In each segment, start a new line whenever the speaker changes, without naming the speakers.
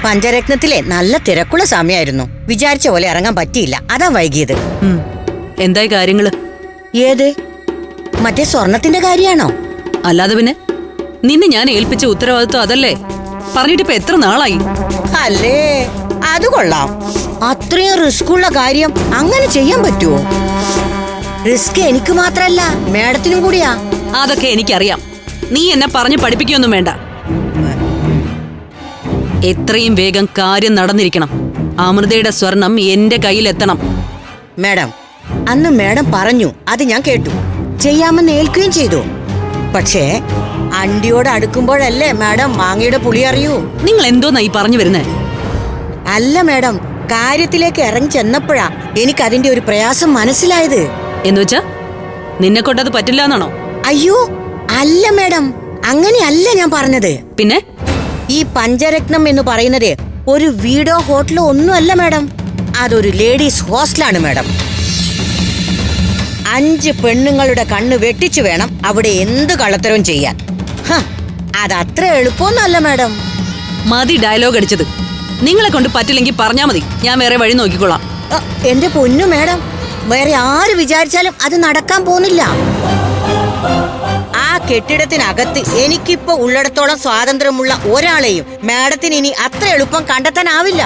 പഞ്ചരത്നത്തിലെ നല്ല തിരക്കുള്ള സമയമായിരുന്നു. വിചാരിച്ച പോലെ ഇറങ്ങാൻ പറ്റിയില്ല, അതാ വൈകിയത്.
എന്തായി കാര്യങ്ങള്?
ഏത്? മറ്റേ സ്വർണത്തിന്റെ കാര്യാണോ?
അല്ലാതെ പിന്നെ നിന്നെ ഞാൻ ഏൽപ്പിച്ച ഉത്തരവാദിത്വം അതല്ലേ? പറഞ്ഞിട്ടിപ്പോ എത്ര നാളായി?
അല്ലേ, അത് കൊള്ളാം. അത്രയും റിസ്ക് ഉള്ള കാര്യം അങ്ങനെ ചെയ്യാൻ പറ്റുമോ? റിസ്ക് എനിക്ക് മാത്രല്ല, മേഡത്തിനും കൂടിയാ.
അതൊക്കെ എനിക്കറിയാം. നീ എന്നെ പറഞ്ഞു പഠിപ്പിക്കൊന്നും വേണ്ട. എത്രയും വേഗം കാര്യം നടന്നിരിക്കണം. അമൃതയുടെ സ്വർണം എന്റെ കയ്യിലെത്തണം.
മേഡം, അന്ന് മേഡം പറഞ്ഞു, അത് ഞാൻ കേട്ടു. ചെയ്യാമെന്ന് ഏൽക്കുകയും ചെയ്തു. പക്ഷേ അണ്ടിയോട് അടുക്കുമ്പോഴല്ലേ മേഡം മാങ്ങയുടെ പുളി അറിയൂ.
നിങ്ങൾ എന്തോന്നാ ഈ പറഞ്ഞു വരുന്നേ?
അല്ല മേഡം, കാര്യത്തിലേക്ക് ഇറങ്ങി ചെന്നപ്പോഴാ എനിക്ക് അതിന്റെ ഒരു പ്രയാസം മനസ്സിലായത്.
എന്നുവെച്ചാ നിന്നെ കൊണ്ടത് പറ്റില്ല എന്നാണോ?
അയ്യോ അല്ല മേഡം, അങ്ങനെയല്ല ഞാൻ പറഞ്ഞത്.
പിന്നെ
ഈ പഞ്ചരത്നം എന്ന് പറയുന്നത് ഒരു വീടോ ഹോട്ടലോ ഒന്നുമല്ല മേഡം. അതൊരു ലേഡീസ് ഹോസ്റ്റലാണ് മേഡം. 5 പെണ്ണുങ്ങളുടെ കണ്ണ് വെട്ടിച്ചു വേണം അവിടെ എന്ത് കള്ളത്തരവും ചെയ്യാൻ. അതത്ര എളുപ്പമൊന്നുമല്ല മേഡം.
മതി ഡയലോഗ് അടിച്ചത്. നിങ്ങളെ കൊണ്ട് പറ്റില്ലെങ്കിൽ പറഞ്ഞാ മതി, ഞാൻ വേറെ വഴി നോക്കിക്കോളാം.
എന്റെ പൊന്നു മേഡം, വേറെ ആര് വിചാരിച്ചാലും അത് നടക്കാൻ പോകുന്നില്ല. ആ കെട്ടിടത്തിനകത്ത് എനിക്കിപ്പോ ഉള്ളിടത്തോളം സ്വാതന്ത്ര്യമുള്ള ഒരാളെയും മേഡത്തിന് ഇനി അത്ര എളുപ്പം കണ്ടെത്താനാവില്ല.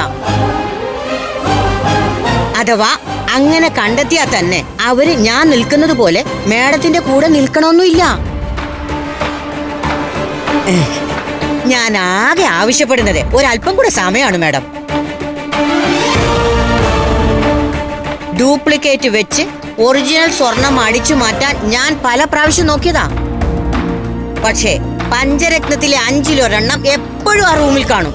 അഥവാ അങ്ങനെ കണ്ടെത്തിയാൽ തന്നെ അവര് ഞാൻ നിൽക്കുന്നത് പോലെ മേഡത്തിന്റെ കൂടെ നിൽക്കണമെന്നില്ല. ഞാൻ ആകെ ആവശ്യപ്പെടുന്നത് ഒരല്പം കൂടെ സമയമാണ് മേഡം. ഡ്യൂപ്ലിക്കേറ്റ് വെച്ച് ഒറിജിനൽ സ്വർണം അടിച്ചു മാറ്റാൻ ഞാൻ പല പ്രാവശ്യം നോക്കിയതാ. പക്ഷേ പഞ്ചരത്നത്തിലെ 5-1 എപ്പോഴും ആ റൂമിൽ കാണും.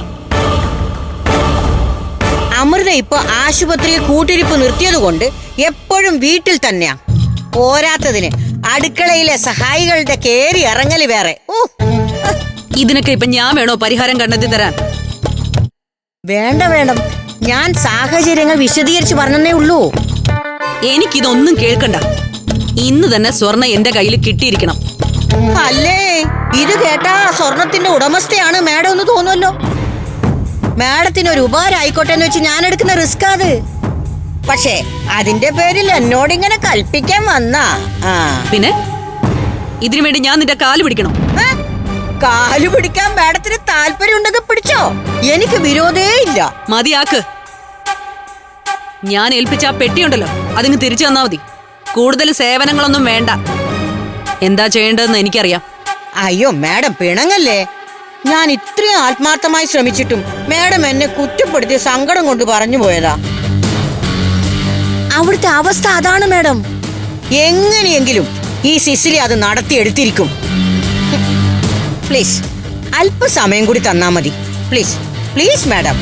അമൃത ഇപ്പൊ ആശുപത്രിയിൽ കൂട്ടിരിപ്പ് നിർത്തിയത് കൊണ്ട് എപ്പോഴും വീട്ടിൽ തന്നെയാ. പോരാത്തതിന് അടുക്കളയിലെ സഹായികളുടെ കേറി ഇറങ്ങല് വേറെ.
ഇതിനൊക്കെ ഇപ്പൊ ഞാൻ വേണോ പരിഹാരം കണ്ടെത്തി തരാൻ?
വേണ്ട വേണം, ഞാൻ സാഹചര്യങ്ങൾ വിശദീകരിച്ച് പറഞ്ഞേ ഉള്ളൂ.
എനിക്കിതൊന്നും കേൾക്കണ്ട. ഇന്ന് തന്നെ സ്വർണം എന്റെ കയ്യിൽ കിട്ടിയിരിക്കണം.
അല്ലേ, ഇത് കേട്ടാ സ്വർണത്തിന്റെ ഉടമസ്ഥയാണ് മേഡം എന്ന് തോന്നുമല്ലോ. മേഡത്തിന് ഒരു ഉപകാരം ആയിക്കോട്ടെ എന്ന് വെച്ച് ഞാൻ എടുക്കുന്ന റിസ്ക് അത്. പക്ഷേ അതിന്റെ പേരിൽ എന്നോടിങ്ങനെ കൽപ്പിക്കാൻ വന്നാ.
പിന്നെ ഇതിനു വേണ്ടി ഞാൻ നിന്റെ കാല് പിടിക്കണം?
കാല് പിടിക്കാൻ മേഡത്തിന് താല്പര്യം ഉണ്ടെങ്കിൽ പിടിച്ചോ, എനിക്ക് വിരോധേ ഇല്ല.
മതിയാക്ക്. ഞാൻ ഏൽപ്പിച്ച ആ പെട്ടിയുണ്ടല്ലോ, അതിന് തിരിച്ചു തന്നാ മതി. കൂടുതൽ സേവനങ്ങളൊന്നും വേണ്ട. എന്താ ചെയ്യേണ്ടതെന്ന് എനിക്കറിയാം.
അയ്യോ മേഡം, പിണങ്ങല്ലേ. ഞാൻ ഇത്രയും ആത്മാർത്ഥമായി ശ്രമിച്ചിട്ടും മേഡം എന്നെ കുറ്റപ്പെടുത്തി സങ്കടം കൊണ്ട് പറഞ്ഞു പോയതാ. അവിടുത്തെ അവസ്ഥ അതാണ് മേഡം. എങ്ങനെയെങ്കിലും ഈ സിസിലി അത് നടത്തിയെടുത്തിരിക്കും. പ്ലീസ് അല്പസമയം കൂടി തന്നാ മതി. Please please madam.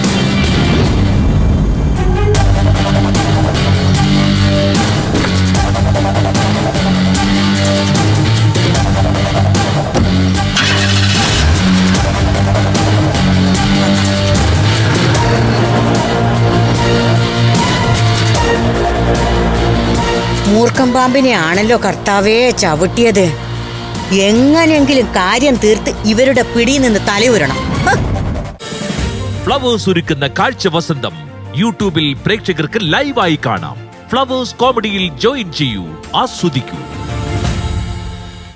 മൂർഖം പാമ്പിനെ ആണല്ലോ കർത്താവേ ചവിട്ടിയത്. എങ്ങനെയെങ്കിലും കാര്യം തീർത്ത് ഇവരുടെ പിടിയിൽ നിന്ന് തലയുരണം.
ഫ്ലവേഴ്സ് ഒരുക്കുന്ന കാഴ്ച വസന്തം യൂട്യൂബിൽ പ്രേക്ഷകർക്ക് ലൈവായി കാണാം. ഫ്ലവേഴ്സ് കോമഡിയിൽ ജോയിൻ ചെയ്യൂ, ആസ്വദിക്കൂ.